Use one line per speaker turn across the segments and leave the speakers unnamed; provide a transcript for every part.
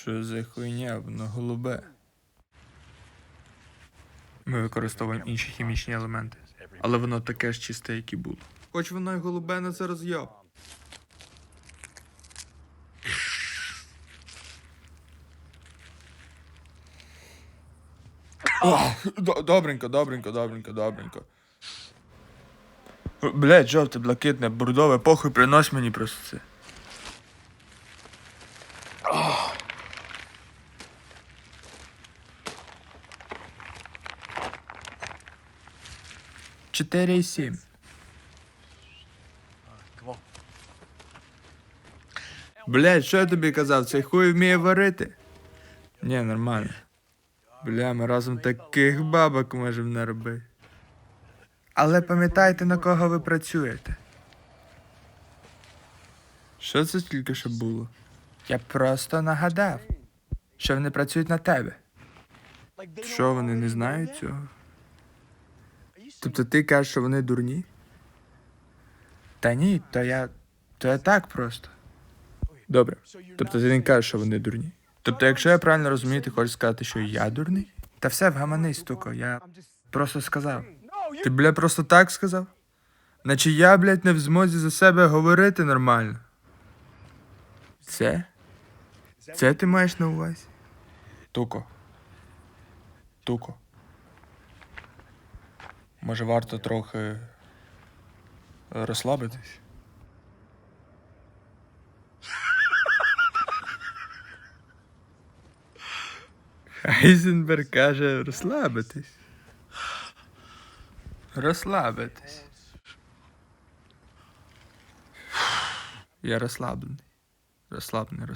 Що за хуйня, воно голубе. Ми використовуємо інші хімічні елементи. Але воно таке ж чисте, як і було. Хоч воно й голубе, на це роз'єб. Добренько. Блять, жовте, блакитне, бордове, похуй, принось мені просто це. Чотири і 7. Блять, що я тобі казав, цей хуй вміє варити? Ні, нормально. Бля, ми разом таких бабок можемо наробити. Але пам'ятайте, на кого ви працюєте. Що це тільки що було? Я просто нагадав, що вони працюють на тебе. Що, вони не знають цього? Тобто ти кажеш, що вони дурні? Та ні, то я так просто. Добре. Тобто ти не кажеш, що вони дурні. Тобто, якщо я правильно розумію, ти хочеш сказати, що я дурний? Та все, вгаманись, стуко, я просто сказав. Ти, бля, просто так сказав? Наче я, блядь, не в змозі за себе говорити нормально. Це? Це ти маєш на увазі? Туко. Може, варто трохи розслабитись? Хайзенберг каже розслабитись. Розслабитись. Я розслаблений. Розслаблений.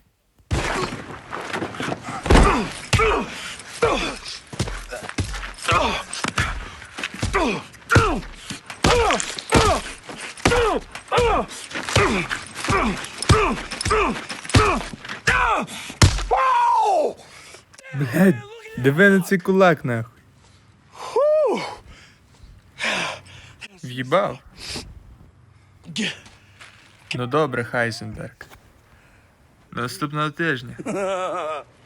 Блядь, диви на цей кулак, нахуй. В'їбав. Ну добре, Хайзенберг. Наступного тижня.